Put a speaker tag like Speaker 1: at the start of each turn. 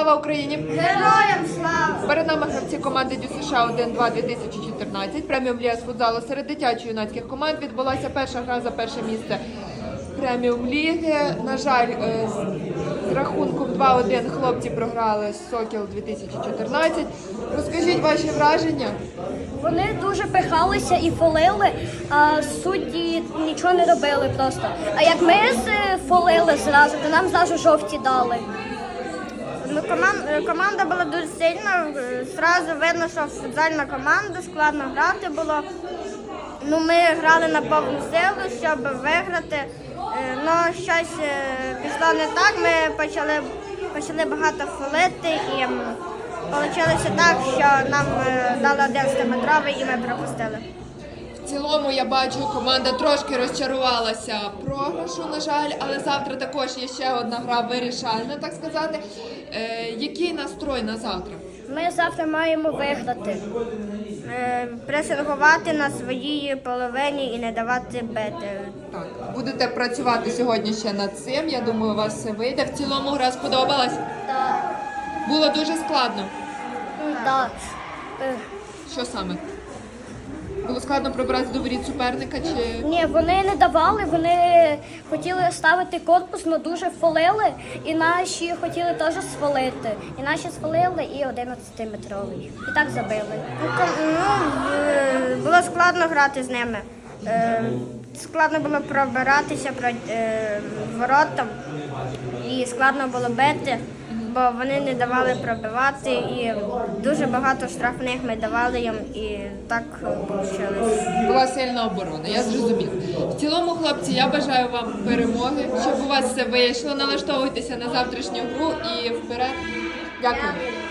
Speaker 1: Слава Україні!
Speaker 2: Героям слава!
Speaker 1: Перед нами гравці команди Дю США 1-2 2014. Преміум Ліга з футзалу серед дитячо-юнацьких команд відбулася перша гра за перше місце Преміум Ліги. На жаль, з рахунком 2-1 хлопці програли з Сокіл 2014. Розкажіть ваші враження.
Speaker 2: Вони дуже пихалися і фолили, а судді нічого не робили просто. А як ми фолили зразу, то нам зразу жовті дали.
Speaker 3: Ну, команда була дуже сильна, зразу видно, що футзальна команда, складно грати було. Ну, ми грали на повну силу, щоб виграти, але щось пішло не так, ми почали багато фолити і вийшло так, що нам дали 11-метровий і ми пропустили.
Speaker 1: В цілому, я бачу, команда трошки розчарувалася програшу, на жаль, але завтра також є ще одна гра вирішальна, так сказати. Який настрой на завтра?
Speaker 2: Ми завтра маємо виграти.
Speaker 3: Пресингувати на своїй половині і не давати бити.
Speaker 1: Так, будете працювати сьогодні ще над цим, я думаю, у вас все вийде. В цілому гра сподобалась?
Speaker 2: Так.
Speaker 1: Було дуже складно.
Speaker 2: Так.
Speaker 1: Що саме? Було складно пробратися до воріт суперника чи...
Speaker 2: Ні, вони не давали, вони хотіли ставити корпус, але дуже фолили, і наші хотіли теж сфолити. І наші сфолили і 11-метровий. І так забили.
Speaker 3: Було складно грати з ними. Складно було пробиратися воротам і складно було бити, бо вони не давали пробивати і дуже багато штрафних ми давали їм і так вийшло.
Speaker 1: Була сильна оборона, я зрозуміла. В цілому, хлопці, я бажаю вам перемоги, щоб у вас все вийшло. Налаштовуйтеся на завтрашню гру і вперед. Дякую.